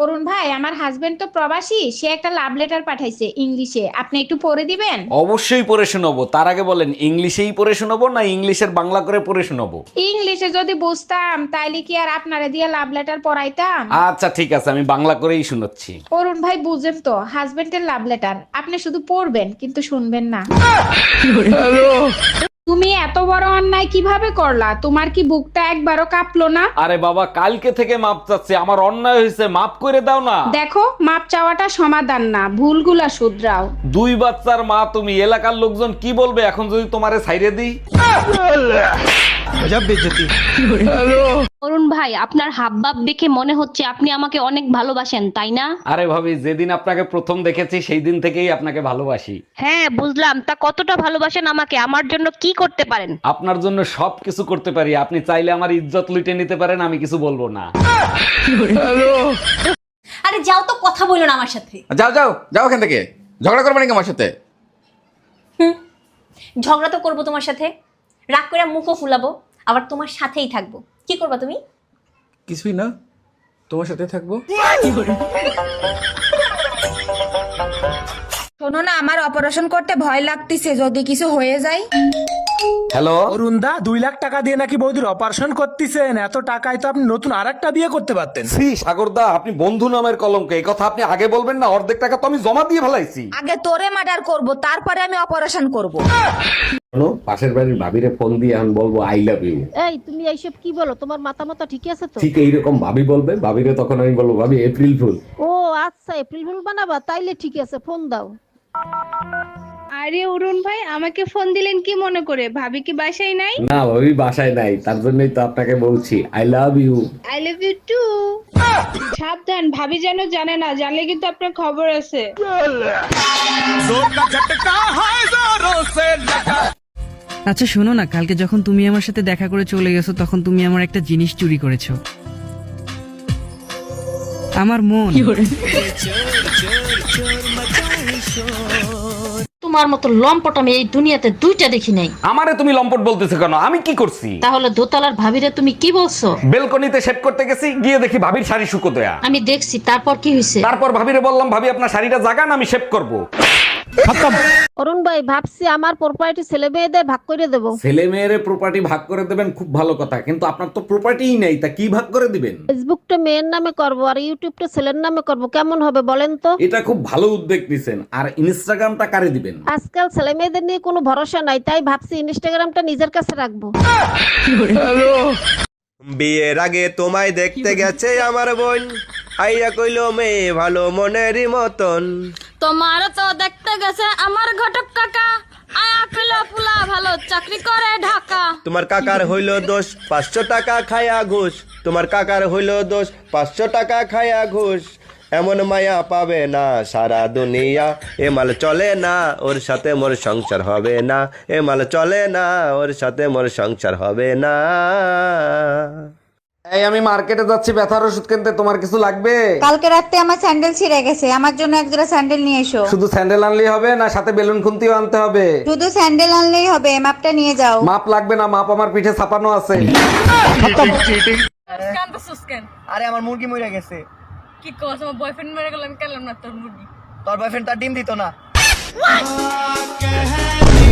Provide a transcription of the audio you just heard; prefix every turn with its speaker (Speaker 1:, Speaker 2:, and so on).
Speaker 1: অরুণ ভাই, আমার হাজবেন্ড তো প্রবাসী, সে একটা লাভ লেটার পাঠাইছে ইংলিশে, আপনি একটু পড়ে দিবেন?
Speaker 2: অবশ্যই পড়ে শোনাবো। তার আগে বলেন, ইংলিশেই পড়ে শোনাবো না ইংলিশের বাংলা করে পড়ে শোনাবো?
Speaker 1: ইংলিশে যদি বুঝতাম তাইলে কি আর আপনারে দিয়ে লাভ লেটার পড়াইতাম?
Speaker 2: আচ্ছা ঠিক আছে, আমি বাংলা করেই শোনাচ্ছি।
Speaker 1: অরুণ ভাই বুঝেন তো, হাজবেন্ডের লাভ লেটার, আপনি শুধু পড়বেন কিন্তু শুনবেন না। তুমি এত বড় অন্যায় কিভাবে করলা? তোমার কি বুকটা একবারও কাঁপলো না?
Speaker 2: আরে বাবা, কালকে থেকে মাপ চাচ্ছি, আমার অন্যায় হয়েছে, মাপ করে দাও না।
Speaker 1: দেখো, মাপ চাওয়াটা সমাধান না, ভুলগুলা শুধরাও।
Speaker 2: দুই বাচ্চার মা তুমি, এলাকার লোকজন কি বলবে এখন যদি তোমারে ছাইরে দিই?
Speaker 3: অরুণ ভাই, আপনার হাবভাব দেখে মনে হচ্ছে আপনি আমাকে অনেক ভালোবাসেন, তাই না?
Speaker 2: আরে ভাবি, যেদিন আপনাকে প্রথম দেখেছি সেই দিন থেকেই আপনাকে ভালোবাসি।
Speaker 3: হ্যাঁ বুঝলাম, তা কতটা ভালোবাসেন আমাকে? আমার জন্য কি করতে পারেন?
Speaker 2: আপনার জন্য সবকিছু করতে পারি, আপনি চাইলে আমার ইজ্জত লুটে নিতে পারেন, আমি কিছু বলবো না।
Speaker 4: আরে যাও তো, কথা বলো না আমার সাথে।
Speaker 5: যাও যাও যাও এখান থেকে, ঝগড়া করবে নাকি আমার সাথে?
Speaker 4: ঝগড়া তো করবো তোমার সাথে, রাগ করে মুখও ফুলাবো, আবার তোমার সাথেই থাকবো। কি করবা তুমি?
Speaker 5: কিছুই না, তোমার সাথে থাকবো।
Speaker 6: শোনো না, আমার অপারেশন করতে ভয় লাগতেছে, যদি কিছু হয়ে যায়।
Speaker 2: হ্যালো,
Speaker 7: অরুণদা, 2 লাখ টাকা দিয়ে নাকি বৌদির অপারেশন করতেছেন? এত টাকায় তো আপনি নতুন আরেকটা বিয়ে করতে পারতেন।
Speaker 2: শ্রী সাগরদা, আপনি বন্ধু নামের কলঙ্ক, এই কথা আপনি আগে বলবেন না? অর্ধেক টাকা তো আমি জমা দিয়ে ফেলাইছি।
Speaker 6: আগে তোরে মার্ডার করব, তারপরে আমি অপারেশন করব।
Speaker 2: শোনো, পাশের বাড়ির ভাবিরে ফোন দিয়ে এখন বলবো আই লাভ ইউ।
Speaker 8: এই তুমি এইসব কি বলো? তোমার মাথা মাথা ঠিক আছে তো?
Speaker 2: ঠিক এইরকম ভাবি বলবে, ভাবিরে তখন আমি বলবো ভাবি এপ্রিল ফুল।
Speaker 8: ও আচ্ছা, এপ্রিল ফুল বানাবা? তাইলে ঠিক আছে, ফোন দাও।
Speaker 9: আরে অরুণ ভাই, আমাকে ফোন দিলেন কি মনে করে? ভাবি কি বাসায় নাই?
Speaker 2: না, ভাবি বাসায় নাই, তার জন্যই তো আপনাকে বলছি I love you.
Speaker 9: I love you too. সাবধান, ভাবি যেন জানে না, জানলে কিন্তু আপনার খবর আছে।
Speaker 10: আচ্ছা শোনো না, কালকে যখন তুমি আমার সাথে দেখা করে চলে গেছো তখন তুমি আমার একটা জিনিস চুরি করেছো, আমার মন।
Speaker 3: তোমার মতো লম্পট আমি এই দুনিয়াতে দুইটা দেখি নাই।
Speaker 2: আমারে তুমি লম্পট বলতেছো কেন? আমি কি করছি?
Speaker 3: তাহলে দোতলার ভাবিরে তুমি কি বলছো?
Speaker 2: বেলকনিতে শেভ করতে গেছি, গিয়ে দেখি ভাবির শাড়ি শুকো দেয়া।
Speaker 3: আমি দেখছি, তারপর কি হয়েছে?
Speaker 2: তারপর ভাবিরে বললাম ভাবি আপনার শাড়িটা জাগান, আমি শেভ করব।
Speaker 8: অরুণ ভাই, ভাবছি আমার প্রপার্টি ছেলে মেয়েদের ভাগ করে দেবো।
Speaker 2: ছেলে মেয়েরে প্রপার্টি ভাগ করে দেবেন, খুব ভালো কথা, কিন্তু আপনার তো প্রপার্টিই নেই, তা কি ভাগ করে দিবেন?
Speaker 8: ফেসবুকটা মেয়ের নামে করব আর ইউটিউবটা ছেলের নামে করব, কেমন হবে বলেন তো?
Speaker 2: এটা খুব ভালো উদ্যোগ নিছেন। আর ইনস্টাগ্রামটা কারে দিবেন?
Speaker 8: আজকাল ছেলে মেয়েদের নিয়ে কোনো ভরসা নাই, তাই ভাবছি ইনস্টাগ্রামটা নিজের কাছে রাখবো।
Speaker 11: বিয়ের আগে তোমায় দেখতে গেছে আমার বোন, আইয়া কইল মেয়ে ভালো মনেরই মতন।
Speaker 3: তোমার তো দেখতে গেছে আমার ঘটক কাকা, আয়া কইলো পুলা ভালো চাকরি করে ঢাকা।
Speaker 11: তোমার কাকার হইল দোষ 500 টাকা খায়া ঘুষ, তোমার কাকার হইল দোষ 500 টাকা খায়া ঘুষ। এমন মায়া পাবে না সারা দুনিয়া, এ মাল চলে না ওর সাথে মোর সংসার হবে না, এ মাল চলে না ওর সাথে মোর সংসার হবে না।
Speaker 2: এই আমি মার্কেটে যাচ্ছি ব্যথার ওষুধ কিনতে, তোমার কিছু লাগবে?
Speaker 6: কালকে রাতে আমার স্যান্ডেল ছিঁড়ে গেছে, আমার জন্য এক জোড়া স্যান্ডেল নিয়ে এসো।
Speaker 2: শুধু স্যান্ডেল আনলেই হবে না, সাথে বেলুন খুন্তিও আনতে হবে?
Speaker 6: শুধু স্যান্ডেল আনলেই হবে, মাপটা নিয়ে যাও।
Speaker 2: মাপ লাগবে না, মাপ আমার পিঠে ছাপানো আছে।
Speaker 7: আরে আমার মুরগি মরে গেছে।
Speaker 9: কি কস, আমার বয়ফ্রেন্ড মেরে গেল, আমি কেলাম না তোর মুরগি।
Speaker 7: তোর বয়ফ্রেন্ড তার ডিম দিত না।